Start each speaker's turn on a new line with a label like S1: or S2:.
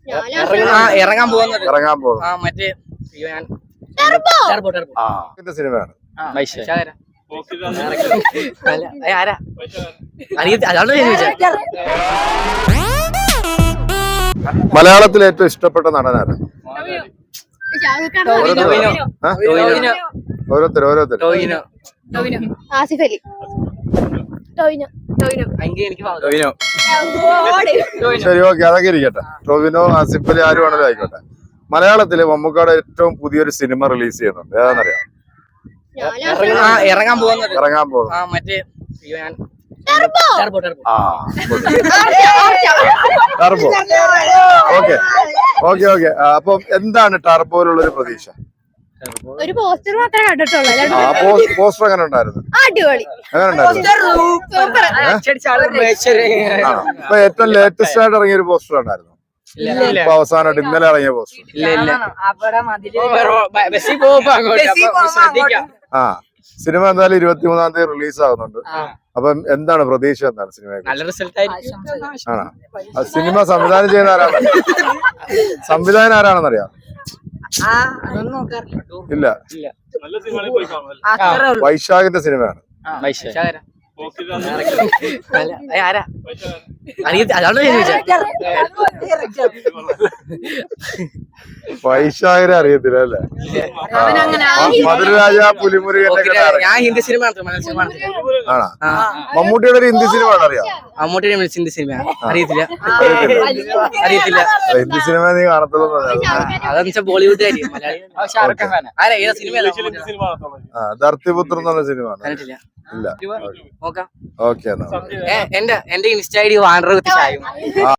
S1: ഇറങ്ങാൻ പോകുന്നത് മറ്റേ
S2: സിനിമയാണ്. മലയാളത്തിൽ ഏറ്റവും ഇഷ്ടപ്പെട്ട നടനാണ്? ഓരോരുത്തർ
S3: ആസിഫ് അലി.
S2: ശരി, ഓക്കെ, അതൊക്കെ ഇരിക്കട്ടെ. ടോവിനോ, ആസിഫ് അലി, ആര് വേണമെങ്കിലും ആയിക്കോട്ടെ. മലയാളത്തില് മമ്മൂക്കയുടെ ഏറ്റവും പുതിയൊരു സിനിമ റിലീസ് ചെയ്യുന്നുണ്ട്, ഏതാണെന്നറിയാം?
S1: ഇറങ്ങാൻ പോകുന്നത്
S2: മറ്റേ
S1: ടർബോ.
S2: ടർബോ. ഓക്കെ. അപ്പം എന്താണ് ടർബോയിലുള്ള ഒരു പ്രതീക്ഷ?
S3: ഒരു പോസ്റ്റർ മാത്രമേ കണ്ടിട്ടുള്ളൂ.
S2: പോസ്റ്റർ എങ്ങനെ ഉണ്ടായിരുന്നു?
S3: അടിപൊളി.
S2: ഇപ്പൊ ഏറ്റവും ലേറ്റസ്റ്റ് ആയിട്ട് ഇറങ്ങിയ ഒരു പോസ്റ്റർ ഉണ്ടായിരുന്നു. ഇപ്പൊ അവസാനമായിട്ട് ഇന്നലെ ഇറങ്ങിയ പോസ്റ്റർ. സിനിമ എന്തായാലും 23-ാം തീയതി റിലീസ് ആകുന്നുണ്ട്. അപ്പം എന്താണ് പ്രതീക്ഷ? എന്താണ് സിനിമ? ആണോ? സിനിമ സംവിധാനം ചെയ്യുന്ന ആരാണെന്നറിയാം? ഇല്ല. വൈശാഖിന്റെ സിനിമയാണ്. വൈശാഖിനെ അറിയത്തില്ല അല്ലേ? മധുരരാജ, പുലിമുരുകന്റെ.
S1: ഞാൻ ഹിന്ദി സിനിമ
S2: ആണോ? മമ്മൂട്ടിയുടെ ഒരു ഹിന്ദി സിനിമ അറിയാം?
S1: മമ്മൂട്ടിയുടെ ഹിന്ദി സിനിമ അറിയത്തില്ല.
S2: ഹിന്ദി സിനിമ നീ കാണത്തുള്ളൂ.
S1: അതെന്ന് ബോളിവുഡ്
S2: ധർത്തിപുത്ര എന്നുള്ള സിനിമ ഇല്ല. ഓക്കെ,
S1: എന്റെ ഇൻസ്റ്റ ഐഡി വാണ്ടർ വിത്ത് ഷായും.